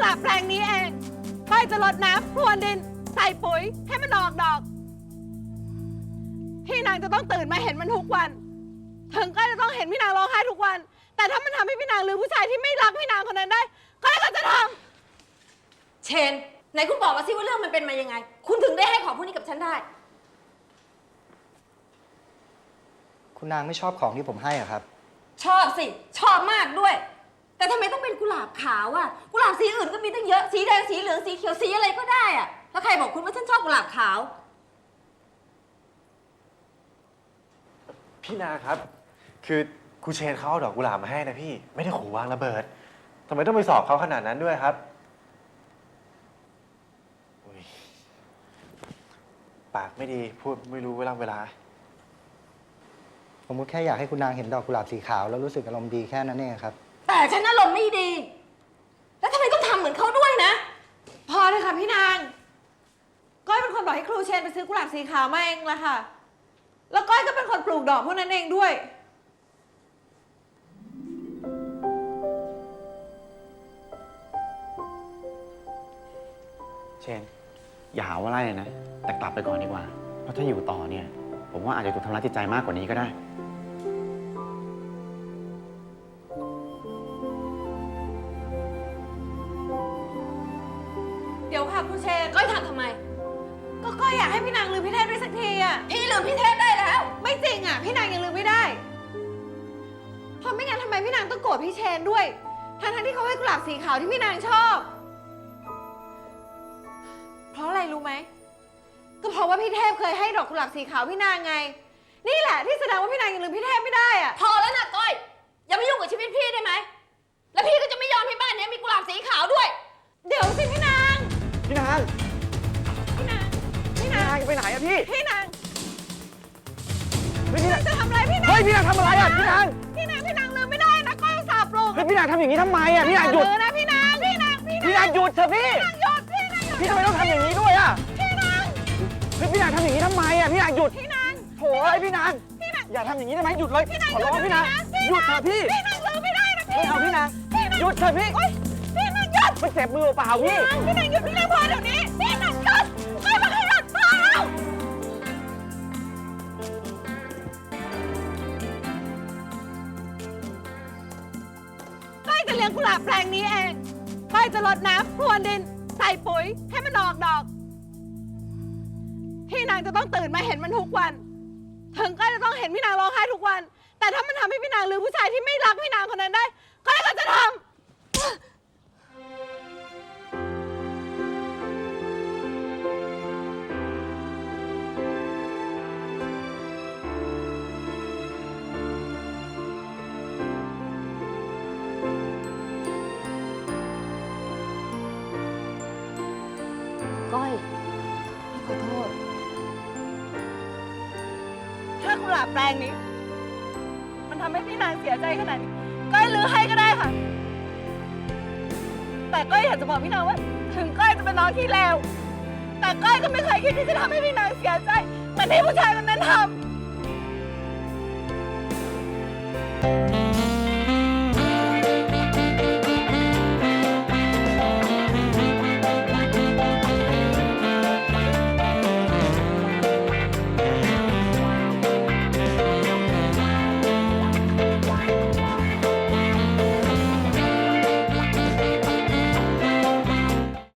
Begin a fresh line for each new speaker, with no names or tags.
หลาบแปลงนี้เองก้อยจะรดน้ำพรวนดินใส่ปุ๋ยให้มันออกดอกพี่นางจะต้องตื่นมาเห็นมันทุกวันถึงก้อยจะต้องเห็นพี่นางร้องไห้ทุกวันแต่ถ้ามันทำให้พี่นางลืมผู้ชายที่ไม่รักพี่นางคนนั้นได้ก้อยก็จะทำ
เชนไหนคุณบอกมาสิว่าเรื่องมันเป็นมายังไงคุณถึงได้ให้ของพวกนี้กับฉันได้
คุณนางไม่ชอบของที่ผมให้อะครับ
ชอบสิชอบมากด้วยแต่ทำไมต้องเป็นกุหลาบขาวอะกุหลาบสีอื่นก็มีตั้งเยอะสีแดงสีเหลืองสีเขียวสีอะไรก็ได้อะแล้วใครบอกคุณว่าฉันชอบกุหลาบขาว
พี่นาครับคือครูเชนเขาเอาดอกกุหลาบมาให้นะพี่ไม่ได้ขู่วางระเบิดทำไมต้องไปสอบเขาขนาดนั้นด้วยครับปากไม่ดีพูดไม่รู้เวลา
ผมก็แค่อยากให้คุณนางเห็นดอกกุหลาบสีขาวแล้วรู้สึกอารมณ์ดีแค่นั้นเองครับ
แต่ฉันอารมณ์ไม่ดีแล้วทำไมต้องทำเหมือนเขาด้วยนะ
พอเลยค่ะพี่นางก้อยเป็นคนบอกให้ครูเชนไปซื้อกุหลาบสีขาวมาเองละค่ะแล้วก้อยก็เป็นคนปลูกดอกพวกนั้นเองด้วย
เชนอย่าหาว่าไล่เลยนะแต่กลับไปก่อนดีกว่าเพราะถ้าอยู่ต่อเนี่ยผมว่าอาจจะถูกทำร้ายจิตใจมากกว่านี้ก็ได้
เดี๋ยวค่ะครูเชน
ก้อยทำทำไม
ก็ก้อยอยากให้พี่นางลืมพี่เทพได้สักทีอ่ะ
พี่ลืมพี่เทพได้แล้ว
ไม่จริงอ่ะพี่นางยังลืมไม่ได้เพราะไม่งั้นทำไมพี่นางต้องโกรธพี่เชนด้วยทั้งที่เขาให้กุหลาบสีขาวที่พี่นางชอบเพราะอะไรรู้ไหมก็เพราะว่าพี่เทพเคยให้ดอกกุหลาบสีขาวพี่นางไงนี่แหละที่แสดงว่าพี่นางยังลืมพี่เทพไม่ได้อ่ะ
พอแล้วนะก้อยอย่ามายุ่งกับชีวิตพี่ได้ไหมแล้วพี่ก็จะไม่ยอมให้บ้านนี้มีกุหลาบสีขาวด้วย
เดี๋ยวสิพี่นาง
พี่นางจะไปไหนอะพี่
พี่นาง
พี่นาง
จะทำอะไรพี่นาง
เฮ้ยพี่นางทำอะไรอะพี่นาง
ลืมไม่ได้นะก้อยอุตส่าห์ปลุก
เฮ้ยพี่นางทำอย่างนี้ทำไมอะพี่นางหยุด
นะพี่นาง
หยุดเถอะพี่พี่ทำไมต้องทำอย่างนี้ด้วยอะเฮ้ยพี่นางทำอย่างนี้ทำไมอะพี่นางหยุดโถ่ไอ้พี่นางอย่าทำอย่างนี้ได้ไหมหยุดเลยขอร้องพี่นางหยุดเถอะพี่
ลืมไม่ได้นะพี่
ไม่เอาพี่นางหยุดเถอะพี่
พี่นางหยุด
มันเจ็บมือเปล่าพี่
พี่นางหยุดพี่นางพอเดี๋ยวนี้พี่นางหยุดก้อยมาให้หยุดพอแล้วก้อยจะเลี้ยงกุหลาบแปลงนี้เองก้อยจะรดน้ำพรวนดินใส่ปุ๋ยให้มันออกดอกพี่นางจะต้องตื่นมาเห็นมันทุกวันถึงก้อยจะต้องเห็นพี่นางร้องไห้ทุกวันแต่ถ้ามันทำให้พี่นางลืมผู้ชายที่ไม่รักพี่นางคนนั้นได้ก้อยก็จะทำ
ก้อยขอโทษ
ถ้ากุหลาบแปลงนี้มันทำให้พี่นางเสียใจขนาดนี้ก้อยลื้อให้ก็ได้ค่ะแต่ก้อยอยากจะบอกพี่นางว่าถึงก้อยจะเป็นน้องที่เลวแต่ก้อยก็ไม่เคยคิดที่จะทำให้พี่นางเสียใจเหมือนที่ผู้ชายคนนั้นทำ